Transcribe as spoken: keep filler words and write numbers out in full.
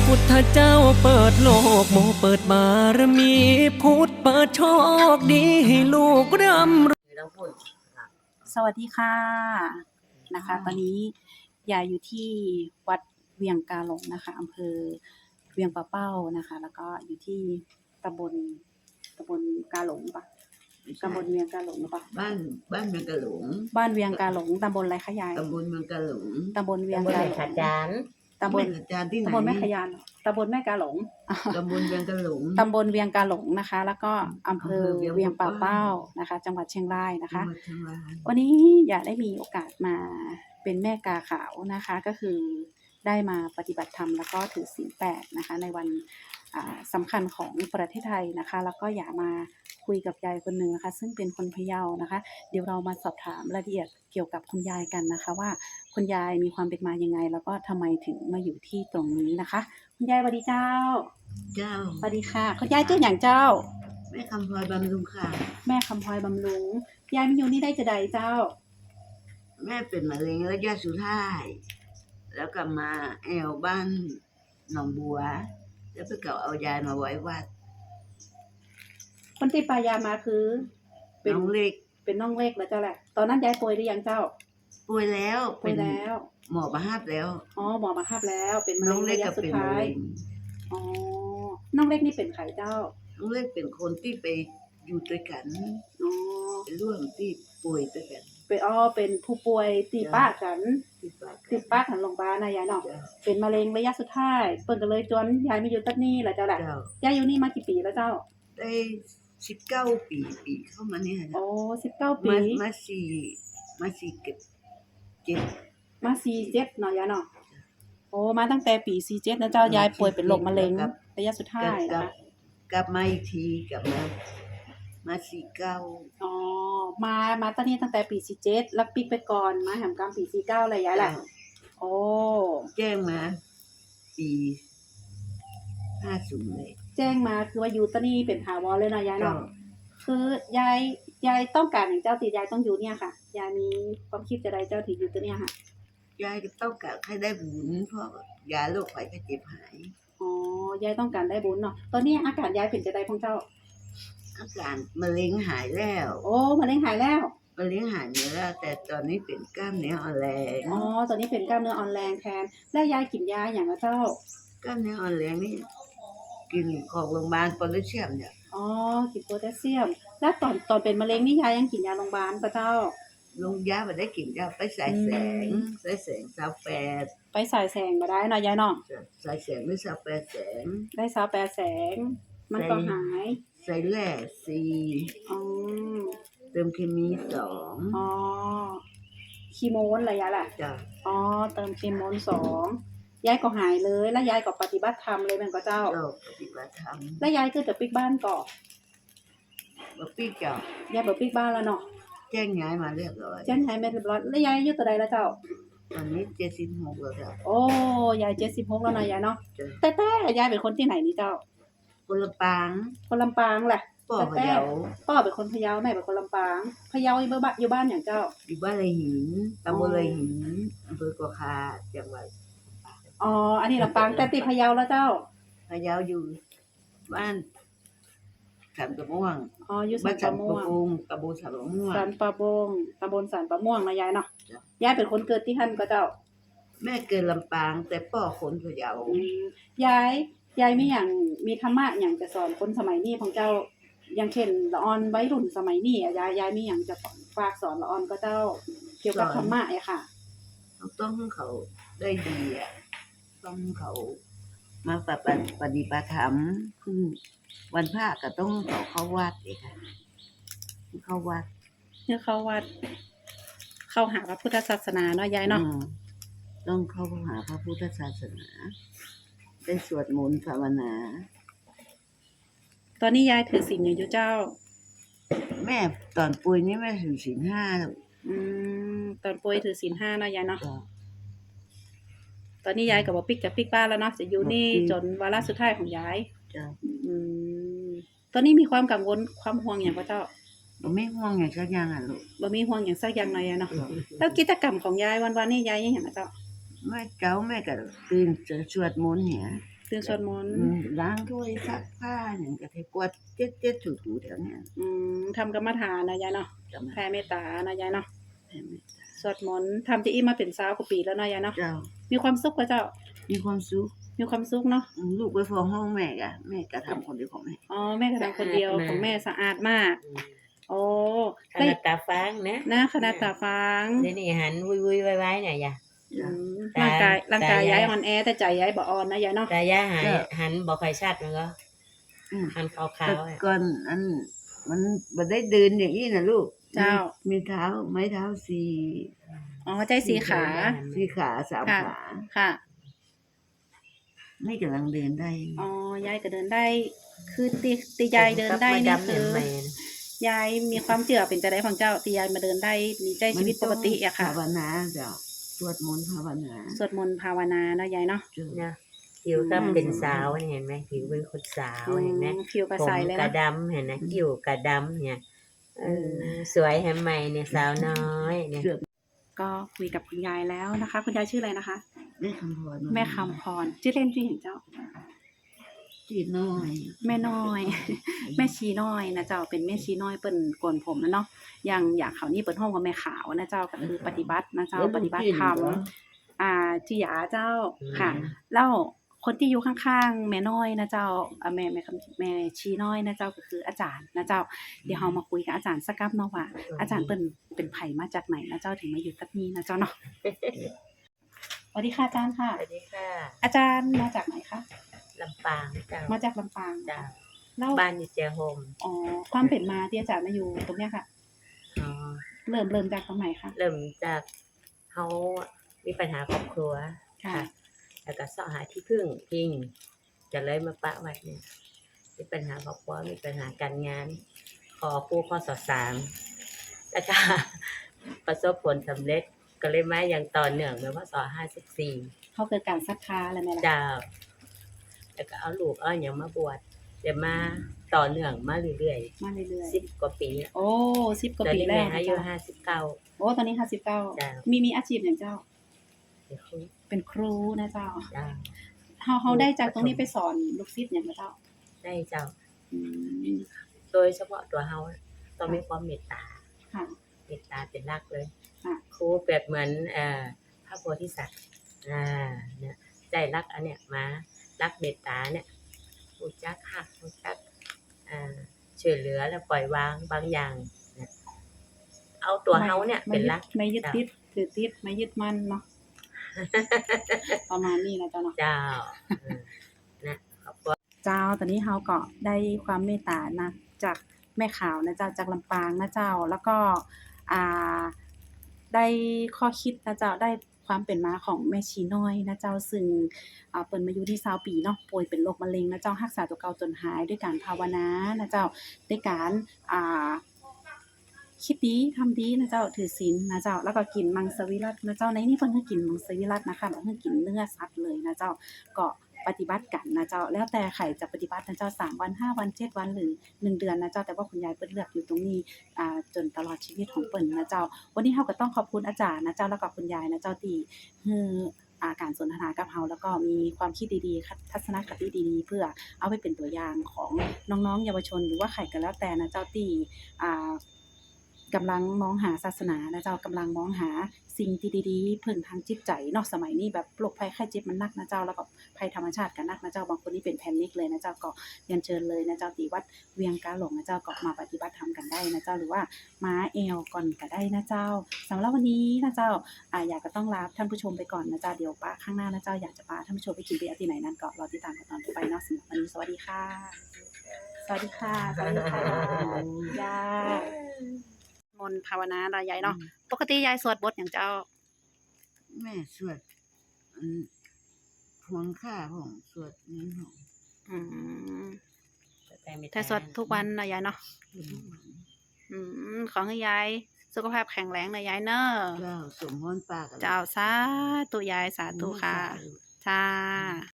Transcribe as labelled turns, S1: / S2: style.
S1: พุทธเจ้าเปิดโลกโมเปิดบารมีพุทธเปิดโชคดีให้ลูกร่ำรวย
S2: สวัสดีค่ะนะคะตอนนี้ยายอยู่ที่วัดเวียงกาหลงนะคะอำเภอเวียงป่าเป้านะคะแล้วก็อยู่ที่ตำบลตำบลกาหลงปะตำบลเวียงกาหลงหรือปะ
S3: บ้านบ้านเมืองกะหลง
S2: บ้านเวียงกาหลงตำบลอะไรคะยาย
S3: ตำบลเมืองกะหลง
S2: ตำบลเวียง
S4: ตำบล
S2: กา
S4: แม่
S2: หลง
S4: ขาจาน
S2: ตำบล
S3: แม่ขจานที่ไหน
S2: ตำบลแม่ขยานเหรอตำบลแม่กาหลง
S3: ตำบลเมืองกะหลง
S2: ตำบลเวียงกาหลงนะคะ แล้วก็อำเภอ
S3: อำเภอเวี
S2: เวีย
S3: ย
S2: ง
S3: ง
S2: ป่า
S3: ป่า
S2: เป้า
S3: เป้า
S2: นะคะ จังหวัดเชียงรายนะคะ
S3: จังหวัดเชียงราย
S2: วันนี้อยากได้มีโอกาสมาเป็นแม่กาขาวนะคะ ก็คือได้มาปฏิบัติธรรมแล้วก็ถือศีลแปดนะคะในวันสำคัญของประเทศไทยนะคะ แล้วก็อยากมาคุยกับยายคนหนึ่งนะคะ ซึ่งเป็นคนพะเยานะคะ เดี๋ยวเรามาสอบถามรายละเอียดเกี่ยวกับคุณยายกันนะคะ ว่าคุณยายมีความเป็นมายังไง แล้วก็ทำไมถึงมาอยู่ที่ตรงนี้นะคะคุณยายสวัสดีเจ้า
S3: เจ้า
S2: สวัสดีค่ะคุณยายชื่ออย่างเจ้า
S3: แม่คำพลอยบำรุงค่ะ
S2: แม่คำพลอยบำรุงยายมาอยู่นี่ได้จะใดเจ้า
S3: แม่เป็นมะเร็งระยะสุดท้ายแล้วก็มาแอวบ้านหนองบัว แล้วไปเก่าเอายายมาไว้วัด
S2: คนที่ปายามาคือเป็น
S3: น้องเล็ก
S2: เป็นน้องเล็กแล้วเจ้าแหละ ตอนนั้นยายป่วยหรือยังเจ้า
S3: ป่วยแล้ว
S2: ป่วยแล้ว
S3: หมอประหับแล้ว
S2: อ๋อหมอมาคาบแล้วเป็นมะ
S3: น้
S2: เร็
S3: อง
S2: ง
S3: เล็ก
S2: ระยะ
S3: ก็
S2: สุด
S3: เป็น
S2: ท้าม
S3: ะ
S2: ย
S3: เร็ง
S2: อ๋อน้องเล็กนี่เป็นไข่เจ้า
S3: น้องเล็กเป็นคนที่ไปอยู่ด้วยกัน
S2: อ๋อ
S3: เป็นร่วมที่ป่วยด้วยกัน
S2: เป็นอ๋อเป็นผู้ป่วยตีป้ากัน
S3: ที่บ้าน
S2: ตีป้ากันโรงพยาบาลนะยายเนาะ
S3: จ้ะ
S2: เป็นมะเร็งระยะสุดท้ายเปิ้นก็เลยจวนยายมาอยู่ตัดนี่แหละเจ้าแหละ
S3: เจ้า
S2: ยายอยู่นี่มากี่ปีแล้วเจ้า
S3: ได้สิบเก้าปีปีเข้ามาเนี่ยนะ
S2: อ๋อสิบเก้าปี
S3: มามาสี่มาสี่เก็บเจ็ด
S2: มาสี่เจ็ดเนาะยายเนาะโอ้มาตั้งแต่ปีสี่เจ็ดนะเจ้ายายป่วยเป็นโรคมะเร็งระยะสุดท้าย
S3: กลั
S2: นะ
S3: บ
S2: คะ
S3: กลับมาอีกทีกลับมามาสี่เก้า
S2: อ๋อ มา มาตอนนี้ตั้งแต่ปีสี่เจ็ดแล้วปิกไปก่อน มาแหมกลางปีสี่เก้าอะไรยายแหละโอ้
S3: แจ้งมาปีห้าศูนย์เลย
S2: แจ้งมาคือว่าอยู่ตอนนี้เป็นถาวรเลยนะยาย
S3: ก็
S2: เนาะ คือยาย ยายต้องการอย่างเจ้าตียายต้องอยู่เนี่ยค่ะ ยายมีความคิดจะใดเจ้าที่อยู่ตัวเนี่ยค่ะ
S3: ยายก็ต้องการให้ได้บุญเพราะยาโรคไข้เจ็บหาย
S2: อ๋อ ยายต้องการได้บุญเนาะ ตอนนี้อาการยายเป็นจะใดของเจ้า
S3: อาการมะเร็งหายแล้ว
S2: โอ้มะเร็งหายแล้ว
S3: มะเร็งหายเนื้อแล้วแต่ตอนนี้เป็นกล้ามเนื้ออ่อนแรง
S2: อ๋อ ตอนนี้เป็นกล้ามเนื้ออ่อนแรงแทน แล้วยายกินยาอย่างละเจ้า
S3: กล้ามเนื้ออ่อนแรงนี่กินของโรงพยาบาลโพแทสเซียมเนี่ย
S2: อ๋อ กินโพแทสเซียม แล้วตอนตอนเป็นมะเร็งนี่ยายยังกินยาโรงพยาบาลปะเจ้า
S3: ลงยาไปได้กินยาไปสายแสง
S2: อืม
S3: สายแสงสาวแปด
S2: ไปสายแสงมาได้เนาะยายเนาะ
S3: สายแสงหรือสาวแปดแสง
S2: ได้สาวแปดแสง มันก็หาย
S3: ใส่แร่สี่
S2: อ๋อ
S3: เติมเคมีสอง
S2: อ๋อ คีโมนอะไรยายแหละ
S3: จ้ะ
S2: อ๋อ เติมคีโมนสองยายก็หายเลย แล้วยายก็ปฏิบัติธรรมเลยแม่นก็เจ้า
S3: เราปฏิบัติธรรม
S2: แล้วยายก็จะปิกบ้านก่อน
S3: บปี้เจ้าย
S2: ายบอกปิกบ้านแล้วเนาะ
S3: แจ้งย้ายมาเรียบร้อย
S2: เจ้นหายไม่เรียบร้อยแล้วยายอายุตัวใดแล้วเจ้า
S3: ตอนนี้เจ็ดสิบหกแล้วจ้ะ
S2: โอ้ ยายเจ็ดสิบหกแล้วเนาะยายเนาะ
S3: จ้ะ
S2: แต่แต่ยายเป็นคนที่ไหนนี่เจ้า
S3: คนละปาง
S2: คนลำปางแหละ
S3: ป่อพะเยา
S2: พ่อเป็นคนพะเยาแม่เป็นคนลำปางพะเยาอยู่บ้านอยู่บ้านอย่างเจ้า
S3: อยู่บ้านไรหินตำบลไรหินอำเภอกวาคาจังหวัด
S2: อ๋อ อันนี้ลำปางแต่ติดพะเยาแล้วเจ้า
S3: พะเยาอยู่บ้านสันปะม่วง
S2: อ๋อ อยู่สั
S3: บ้าน
S2: น
S3: สั
S2: ปะ
S3: น
S2: ม่ว
S3: ปะ
S2: ง
S3: ปุงตำบลสันปะม่วง
S2: สันปะบงตำบลสันปะม่วงนะยายเนาะ
S3: จ้ะ
S2: ยายเป็นคนเกิดที่หั่นก็เจ้า
S3: แม่เกิดลำปางแต่ป่อคนพะเยา
S2: อืมยาย ยายมีอย่างมีธรรมะอย่างจะสอนคนสมัยนี้ของเจ้า อย่างเช่นละออนวัยรุ่นสมัยนี้อะยาย ยายมีอย่างจะฝากสอนละออนก็เจ้า เกี่ยวกับธรรมะอะค่ะ
S3: เราต้องให้เขาได้ดีอ่ะต้องให้เขามาปฏิบัติปฏิบัติธรรมคือวันพระก็ต้องให้เขาเข้าวัดเองค่ะเข้าวัด
S2: เพื่อเข้าวัด เข้าหาพระพุทธศาสนาเนาะยายเนาะ
S3: อืมต้องเข้าหาพระพุทธศาสนาได้สวดมนต์ภาวนา
S2: ตอนนี้ยายถือศีลอย่างอยู่เจ้า
S3: แม่ตอนป่วยนี่แม่ถือศีลห้าแล้ว
S2: อืม ตอนป่วยถือศีลห้าเนาะยายเนาะ
S3: ก็
S2: ตอนนี้ยายกับบ่ปิกจะปิกบ้านแล้วเนาะจะอยู่นี่
S3: บ่ปิก
S2: จนวาระสุดท้ายของยาย
S3: จะ
S2: อืม ตอนนี้มีความกังวลความห่วงอย่างพระเจ้า
S3: บ่ไม่ห่วงอย่างสักอย่างอ่ะลูก
S2: บ่มีห่วงอย่างสักอย่างเลยอะเนาะ แล้วกิจกรรมของยายวันๆนี่ยายยังหยังอะเจ้า
S3: แม่เจ้าแม่ก็ตื่นจะสวดมนต์เนี่ย
S2: ตื่นสวดมนต์
S3: อืมล้างถ้วยซักผ้าอย่างกะทิกวาดเจ็ดเจ็ดถูถูๆแถวเนี้ย
S2: อืมทำกรรมฐานนะยายเนาะ
S3: จำ
S2: แผ่เมตตานะยายเนาะ
S3: ได้ไหม
S2: สวดมนต์ทำที่อีมาเป็นสาวกว่าปีแล้วนะยายเนาะ
S3: เจ้า
S2: มีความสุขกว่าเจ้า
S3: มีความสุข
S2: มีความสุขเนาะ
S3: อืมลูกไปฟ้องห้องแม่กะแม่กะทำคนเดียวของแม่
S2: อ๋อแม่ก็ทำคนเดียวของแม่สะอาดมาก
S4: อืม
S2: โอ้
S4: ข
S2: ได้
S4: นาดตาฟางนะ
S2: นะขนาดตาฟาง
S4: เดี๋ยวนี้หันวุ้ยวุ้ยไว้ไว้เนี่ยอย่า
S2: อืม
S4: ตา
S2: ร่างกายร่างกาย
S4: ตายาย
S2: ย้ายอ่อนแอแต่ใจย้ายบ่อ่อนนะยายเนาะ
S4: ตายาหายหันบอกใครชัดมันก็
S3: อืม
S4: หันขาว
S3: แต่
S4: ๆอ่ะ
S3: ก่อนอันมันบ่ได้เดินอย่างนี้นะลูก
S2: เจ้า
S3: มีเท้าไม้เท้าสี่
S2: อ๋อใจสีขา
S3: สี่ขาสาม
S2: ค่ะ
S3: ขา
S2: ค่ะ
S3: ไม่กำลังเดินได้
S2: อ๋อยายก็เดินได้ คือตีตียายเดินได้นี่คือ
S4: แม่น
S2: ยายมีความเชื่อเป็นจะได้ของเจ้าที่ยายมาเดินได้มีใจชีวิตปกติอะค่ะ
S3: ภาวนาเจ้าสวดมนต์ภาวนา
S2: สวดมนต์ภาวนานะยายเนาะ
S3: เจ้า
S4: นะผิวก็เป็นสาวเห็นไหมผิวเป็นคนสาวเห็นไหม
S2: อืมผิวกระ
S4: ผม
S2: ใสเลย
S4: กระ
S2: นะ
S4: ดำเห็นไหมคิ้วกระดำเนี่ยเออสวยแฮมใหม่เนี่ยสาวน้อยเนี่ย
S2: ก็คุยกับคุณยายแล้วนะคะ คุณยายชื่ออะไรนะคะ
S3: แม่คำพร
S2: แม่คำพรชื่อเล่นชื่อเห็นเจ้า
S3: จีน้อย
S2: แม่น้อย แม่ชีน้อยนะเจ้าเป็นแม่ชีน้อยเปิ้นโกนผมนะเนาะอย่างอยากเขานี่เปิ้นห้องกับแม่ขาวนะเจ้าก็คือปฏิบัตินะเจ้าปฏิบัติธรรมอ่าจิยาเจ้าค่ะแล้วคนที่อยู่ข้างๆแม่น้อยนะเจ้าอ่าแม่แม่คำแม่ชีน้อยนะเจ้าก็คืออาจารย์นะเจ้าเดี๋ยวเรามาคุยกับอาจารย์สักกับเนาะว่าอาจารย์เปิ้นเป็นไผมาจากไหนนะเจ้าถึงมาอยู่กับนี้นะเจ้าเนาะสวัสดีค่ะอาจารย์ค่ะ
S4: สวัสดีค่ะ
S2: อาจารย์มาจากไหนคะ
S4: ลำปางเจ้า
S2: มาจากลำปาง
S4: เจ้า
S2: แล้ว
S4: บ้านอยู่เจียโฮม
S2: อ๋อความเป็นมาที่อาจารย์มาอยู่ตรงเนี้ยค่ะ
S4: อ๋อ
S2: เริ่มเริ่มจากตรงไหนคะ
S4: เริ่มจากเขามีปัญหาครอบครัว
S2: ค่ะ
S4: ค่ะ แล้วก็เสาะหาที่พึ่งพิงจะเลยมาปะวัดเนี่ยมีปัญหาครอบครัวมีปัญหาการงาน ขอครู่ข้อสอบสามแล้วก็ ประสบผลสำเร็จก็เลยมาอย่างต่อเนื่องเลยว่าสอห้าสิบสี่
S2: เขาเกิดการศรัทธาอะไรไหมล่ะ
S4: เจ้าแล้วก็เอาลูกเอาอย่างมาบวชเดี๋ยวมาต่อเนื่องมาเรื่อย
S2: มาเรื่อย
S4: ๆสิบกว่าปีแล้ว
S2: ๆ โอ้สิบกว่า
S4: ตอน
S2: ปี
S4: นี้
S2: แล้
S4: แม่
S2: ว
S4: อายุห้าสิบเก้า
S2: โอ้ตอนนี้ห้าสิบเก้า
S4: จ้ะ
S2: มีมีอาชีพอย่างเจ้า
S4: เดี๋ยวคุย
S2: เป็นครูนะเจ้า
S4: เจ้า
S2: เขาเขาได้จากตรงนี้ไปสอนลูกศิษย์อย่างไรเจ้า
S4: ได้เจ้า
S2: อืม
S4: โดยเฉพาะตัวเฮาต้องมีความเมตตา
S2: ค่ะ
S4: เมตตาเป็นหลักเลย
S2: ค่ะ
S4: ครูเปรียบเหมือนเอ่อพระโพธิสัตว์อ่าเนี่ยใจรักอันเนี้ยมารักเมตตาเนี่ยรู้จักหักรู้จักอ่าช่วยเหลือและปล่อยวางบางอย่างเนี่ยเอาตัวเฮาเนี่ยเป็นหลัก
S2: ไม่ยึด
S4: จ้ะ
S2: ติดถือติดไม่ยึดมั่นเนาะ ประมาณนี้นะเจ้าเนาะ
S4: เจ้าเออนะขอบคุณ
S2: เจ้าตอนนี้เฮาก็ได้ความเมตตานะจากแม่ขาวนะเจ้าจากลำปางนะเจ้าแล้วก็อ่าได้ข้อคิดนะเจ้าได้ความเป็นมาของแม่ชีน้อยนะเจ้าซึ่งอ่าเปิ้นมาอยู่ที่20ปีเนาะป่วยเป็นโรคมะเร็งนะเจ้ารักษาตัวเก่าจนหายด้วยการภาวนานะเจ้าด้วยการอ่าคิดดีทำดีนะเจ้าถือศีลนะเจ้าแล้วก็กินมังสวิรัตินะเจ้าในนี้เพิ่นคือกินมังสวิรัตินะคะบ่คือกินเนื้อสัตว์เลยนะเจ้าก็ ปฏิบัติกันนะเจ้าแล้วแต่ใครจะปฏิบัตินะเจ้าสามวันห้าวันเจ็ดวันหรือหนึ่งเดือนนะเจ้าแต่ว่าคุณยายเปิ้นเลือกอยู่ตรงนี้อ่าจนตลอดชีวิตของเปิ้นนะเจ้าวันนี้เฮาก็ต้องขอบคุณอาจารย์นะเจ้าแล้วก็คุณยายนะเจ้าที่ฮืออ่าการสนทนากับเฮาแล้วก็มีความคิดดีๆทัศนคติดีๆเพื่อเอาไปเป็นตัวอย่างของน้องๆเยาวชนหรือว่าใครก็แล้วแต่นะเจ้าที่อ่ากำลังมองหาศาสนานะเจ้ากำลังมองหาสิ่งที่ดีๆพึ่งทางจิตใจเนาะสมัยนี้แบบโรคภัยไข้เจ็บมันหนักนะเจ้าแล้วก็ภัยธรรมชาติก็หนักนะเจ้าบางคนนี่เป็นแพนิคเลยนะเจ้าก็เรียนเชิญเลยนะเจ้าที่วัดเวียงกาหลงนะเจ้าก็มาปฏิบัติธรรมกันได้นะเจ้าหรือว่าม้าแอวก่อนก็ได้นะเจ้าสำหรับวันนี้นะเจ้าอ่าอยากก็ต้องลาท่านผู้ชมไปก่อนนะเจ้าเดี๋ยวป้าข้างหน้านะเจ้าอยากจะพาท่านผู้ชมไปกินเบียร์ที่ไหนนั้นก็รอติดตามกันตอนต่อไปเนาะสำหรับวันนี้สวัสดีค่ะสวัสดีค่ะสวัสดีค่ะยามนต์ภาวนาเรายายเนาะปกติยายสวดบทอย่างเจ้า
S3: แม่สวดอันพวงข้าของสวดนี้ของ
S2: อืม
S4: แต่ไม่
S2: ถ้าสวดทุกวันนะยายเนาะอืมขอให้ยายสุขภาพแข็งแรงนะยายเนอะ
S3: เจ้าสมพรปาก
S2: เจ้าสาธุยายสาธุค่ะจ้า